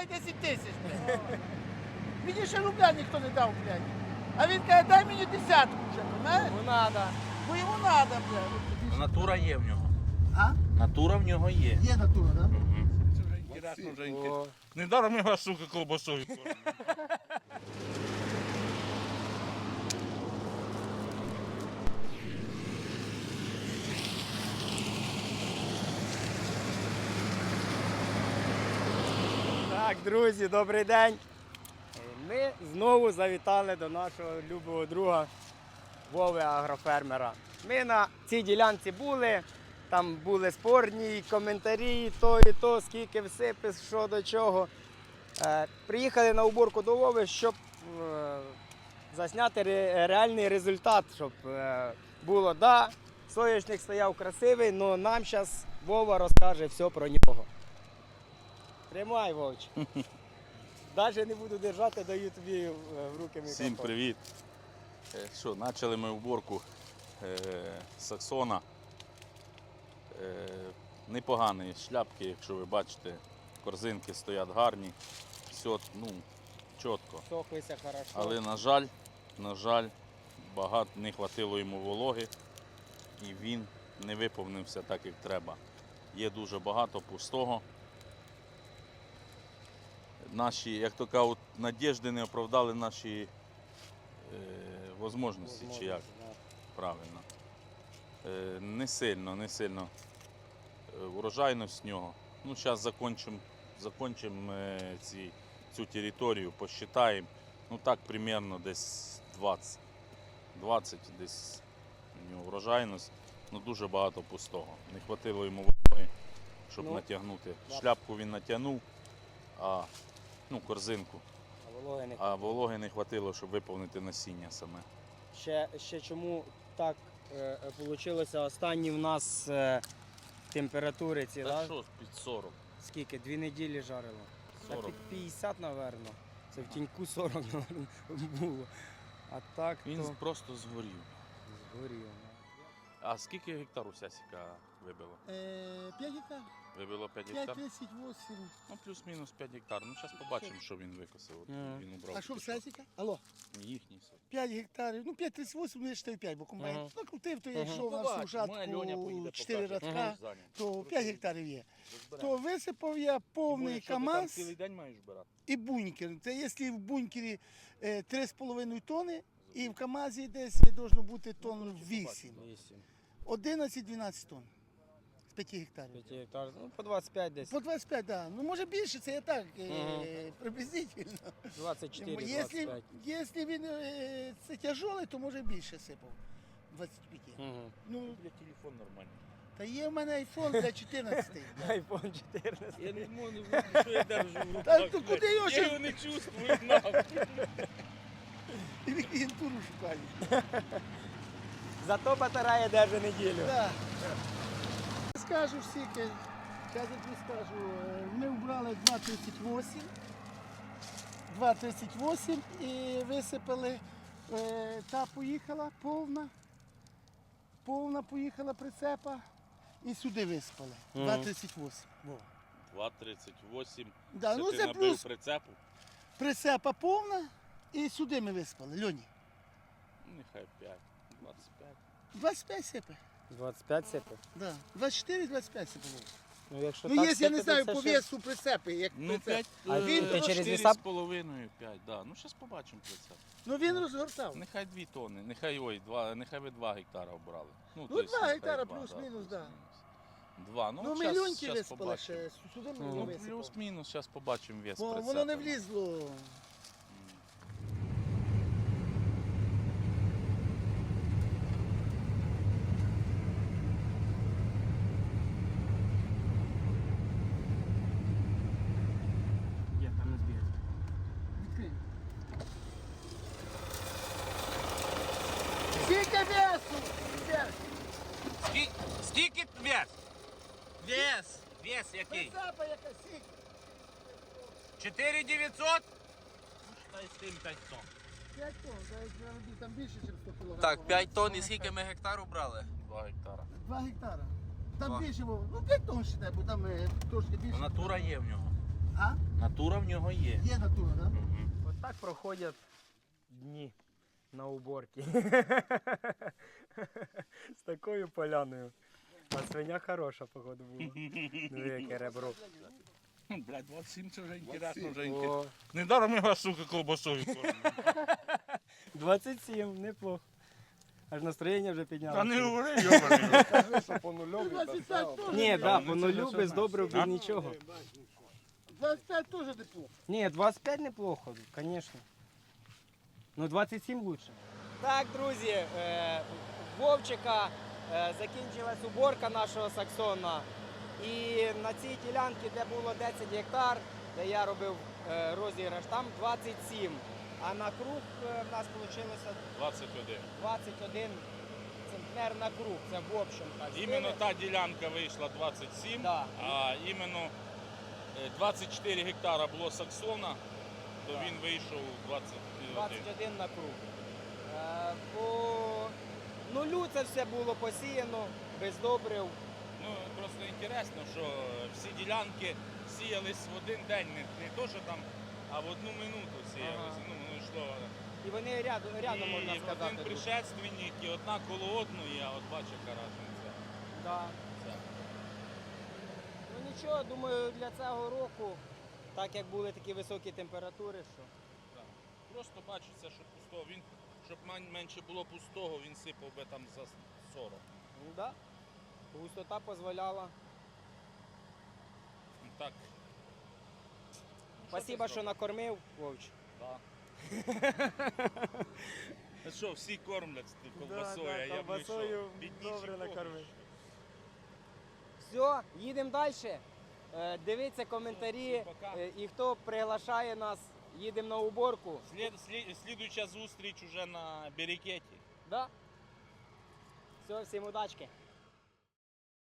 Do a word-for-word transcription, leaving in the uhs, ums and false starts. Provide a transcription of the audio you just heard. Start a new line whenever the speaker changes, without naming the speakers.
дай десять тисяч, блядь. Мені ще рубля ніхто не дав, блядь. А він каже, дай мені десятку вже, понимаєш?
Йому надо.
Бо йому треба, блядь.
Натура є в нього.
А?
Натура в нього є.
Є натура, так? Да?
Це вже інтересно, вже інтересно. Не даром його, сука, колбасою.
Так, друзі, добрий день. Ми знову завітали до нашого любого друга Вови агрофермера. Ми на цій ділянці були, там були спорні коментарі, то і то, скільки всипи, що до чого. Е, приїхали на уборку до Вови, щоб е, засняти ре, реальний результат, щоб е, було, да, соняшник стояв красивий, але нам зараз Вова розкаже все про нього. Тримай, Вовч. Навіть не буду держати, даю тобі в руки мікрофон.
Всім привіт. Е, Що, почали ми уборку е, саксона. Е, непогані шляпки, якщо ви бачите, корзинки стоять гарні, все, ну, чітко.
Сохлися хорошо.
Але, на жаль, на жаль, багато не хватило йому вологи і він не виповнився так, як треба. Є дуже багато пустого. Наші, як то кажуть, надіжди не оправдали наші е, можливості, чи як правильно. Е, не сильно, не сильно е, урожайність з нього. Ну, зараз закінчимо закончим, е, ці, цю територію, посчитаємо. Ну так, примерно десь двадцять. двадцять десь у нього урожайність, ну дуже багато пустого. Не хватило йому вологи, щоб
Ну,
натягнути.
да.
Шляпку він натягнув, а ну, корзинку.
А вологи не
А вологи не хватило, щоб виповнити насіння саме.
Ще, ще чому так е, вийшло? Останні в нас е, температури ці,
Та
да?
що, під сорок.
Скільки? Дві неділі жарило? Та
сорок.
під п'ятдесят, напевно. Це в тіньку сорок, напевно, було. А так
Він
то
просто згорів.
згоріло.
А скільки гектар у Сясіка вибило?
п'ять гектар.
Вибило п'ять
п'ять,
гектар?
десять, вісім.
Ну, плюс-мінус п'ять гектар. Ну, зараз побачимо, що він викосив. От
Ага.
Він убрав.
А що в
тільки
сесіка? Алло.
Їхній сад.
п'ять гектарів, ну п'ять тридцять вісім, не чотири п'ять, бо комбайн
Ага.
накрутив, то
Ага.
якщо в нас у жатку чотири радка, то п'ять гектарів є. То висипав я повний КАМАЗ
Цілий день маєш збирати.
і бункер. Це якщо в бункері е, три з половиною тони, і в КАМАЗі десь должно бути тонн вісім.
Вісім.
одинадцять-дванадцять тонн з п'яти гектарів.
П'ять гектар, ну по двадцять п'ять десь.
По двадцять п'ять, так. Да. Ну може більше, це я так, е,
Ага.
приблизительно.
двадцять чотири,
Якщо,
двадцять п'ять.
якщо він е, це тяжелий, то може більше сипав. двадцять п'ять.
Угу.
Ну,
Для телефон нормальний.
та є в мене айфон для чотирнадцятий.
Айфон чотирнадцять.
Я не можу, що я держу в руках.
Та то куди його
Я
ще
його не чувствую, нахуй.
клієнтуру шукають?
Зато батарея держить неділю.
Так. Скажу всіки, зараз я тобі скажу, е, ми вбрали два тридцять вісім, два тридцять вісім і висипали, е, та поїхала повна, повна поїхала прицепа і сюди висипали.
Мгм.
два тридцять вісім. Во.
два тридцять вісім.
Да, ну
ти
це
набив
плюс
прицепу?
прицепа повна і сюди ми висипали. Льоні,
Нехай п'ять. двадцять п'ять.
двадцять п'ять сипе.
двадцять п'ять сипи.
Да. двадцять чотири двадцять п'ять сипало.
Ну, якщо
Ну,
так
якщо я не
сипе,
знаю,
то
по
це ще-
весу прицепи, як
Ну,
прицеп.
п'ять,
А він
то
через
чотири
віса-
з половиною, п'ять, да. Ну, зараз побачимо прицеп.
Ну він розгортав.
Нехай дві тонни, нехай, ой, два, нехай ви два гектара обрали.
Ну,
то есть,
два
нехай
гектара
два,
плюс-мінус, да.
плюс-мінус. Два, ну,
Ну,
щас-
мільйонки
щас
висипали
побачимо.
ще, сюди ми
Ну,
не
Ну,
висипали.
плюс-мінус, зараз побачимо вес
Бо
прицепа.
воно не влізло.
Є, там не збіг.
Відкрий. Скільки весу? Ребят?
Скільки, скільки вес? Вес. Вес який?
Прицепа яка скільки?
чотири дев'ятсот? Та й з тим п'ять тонн.
п'ять тонн, навіть там більше, ніж сто кілограмів.
Так, п'ять тонн і скільки ми гектару брали?
Два гектара.
два гектара. Там
Два.
більше, Вов. Ну п'ять тонн считай, бо там е, трошки більше.
Натура є в нього.
А?
Натура в нього є.
Є натура, так? Да?
От так проходять дні на уборці. З такою поляною. А свиня хороша, походу, була. Ну, яке ребро.
Блядь, двадцять сім це вже інтересно, вже
О,
інтересно. Недаром ми вас, сука, колбасою кормимо.
двадцять сім, неплохо. Аж настроєння вже
Та
піднялося.
не говори, йобаний.
двадцять п'ять теж.
Ні, да,
ну,
по
це
нулю
вже
без
все
добрив, без
А?
нічого.
двадцять п'ять теж неплохо.
Ні, двадцять п'ять неплохо, звісно. Ну двадцять сім лучше. Так, друзі, е, Вовчика е, закінчилась уборка нашого саксона. І на цій ділянці, де було десять гектар, де я робив е, розіграш, там двадцять сім. А на круг е, в нас вийшло
двадцять один.
двадцять один центнер на круг. Це в общем так.
Іменно
стилі.
та ділянка вийшла двадцять сім,
Да.
а іменно е, двадцять чотири гектара було саксона, то він вийшов двадцять один.
двадцять один на круг. Е, По нулю це все було посіяно, без добрив.
Ну, просто інтересно, що всі ділянки сіялись в один день, не, не то, що там, а в одну минуту сіялися.
Ага.
Ну, воно йшло.
І вони рядом, рядом
і,
можна
і
сказати.
один
тут.
предшественник, і одна коло одної, а от бачиш, яка різниця.
Да.
Це.
Ну нічого, думаю, для цього року, так як були такі високі температури, що
Так. Просто бачиться, що пустого. Він, щоб мен- менше було пустого, він сипав би там за сорок.
ну, да, густота дозволяла.
Ну, Так.
Спасибо, що накормив, Вовч.
Так. А що, всі кормлять з тим колбасою, а я б що, бідніші кормлять.
Все, їдемо далі. Дивіться коментарі.
Пока.
Е, І хто приглашає нас, їдемо на уборку.
Слід, слід, слідуюча зустріч уже на берекеті.
Да? Все, всім удачки.